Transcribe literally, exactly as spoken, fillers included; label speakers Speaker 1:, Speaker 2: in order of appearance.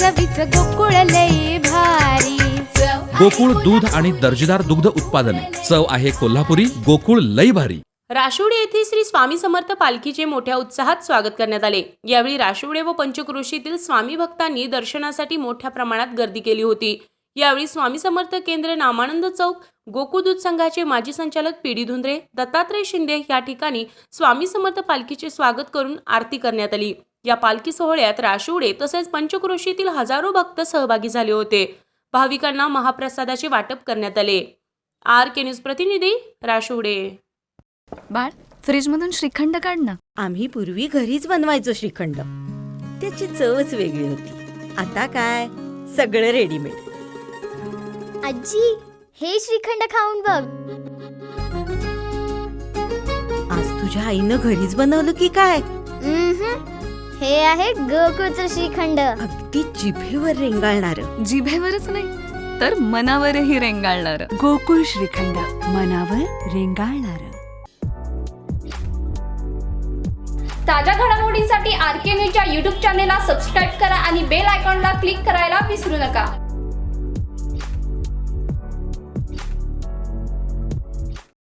Speaker 1: चवीच गोकुळ लई भारी।
Speaker 2: गोकुळ दूध आणि दर्जेदार दुग्ध उत्पादने, चव आहे कोल्हापुरी, गोकुळ लई भारी।
Speaker 3: राशिवडे येथे श्री स्वामी समर्थ पालखीचे मोठ्या उत्साहात स्वागत करण्यात आले। यावेळी राशिवडे व पंचक्रोशीतील स्वामी भक्तांनी दर्शनासाठी मोठ्या प्रमाणात गर्दी केली होती। यावेळी स्वामी समर्थ केंद्र नामानंद चौक गोकुळ दूध संघाचे माजी संचालक पीडी धुंद्रे, दत्तात्रय शिंदे या ठिकाणी स्वामी समर्थ पालखीचे स्वागत करून आरती करण्यात आली। या पालखी सोहळ्यात राशिवडे तसेच पंचक्रोशीतील हजारो भक्त सहभागी झाले होते। भाविकांना महाप्रसादाचे वाटप करण्यात आले। आर के न्यूज प्रतिनिधी राशिवडे।
Speaker 4: बाळ, फ्रीजमधून श्रीखंड काढ ना।
Speaker 5: आम्ही पूर्वी घरीच बनवायचो श्रीखंड, त्याची चवच वेगळी होती। आता काय सगळं रेडीमेड।
Speaker 6: आजी, हे श्रीखंड खाऊन बघ।
Speaker 5: आज तुझ्या आईनं घरीच बनवलं की काय?
Speaker 6: हे आहे गोकुळचं श्रीखंड,
Speaker 5: अगदी जिभेवर रेंगाळणार।
Speaker 4: जिभेवरच नाही तर मनावरही रेंगाळणार।
Speaker 7: गोकुळ श्रीखंड, मनावर रेंगाळणार।
Speaker 8: ताज्या घडामोडींसाठी आर के न्यूजच्या यूट्यूब चॅनेलला सबस्क्राईब करा आणि बेल आयकॉनला क्लिक करायला विसरू नका।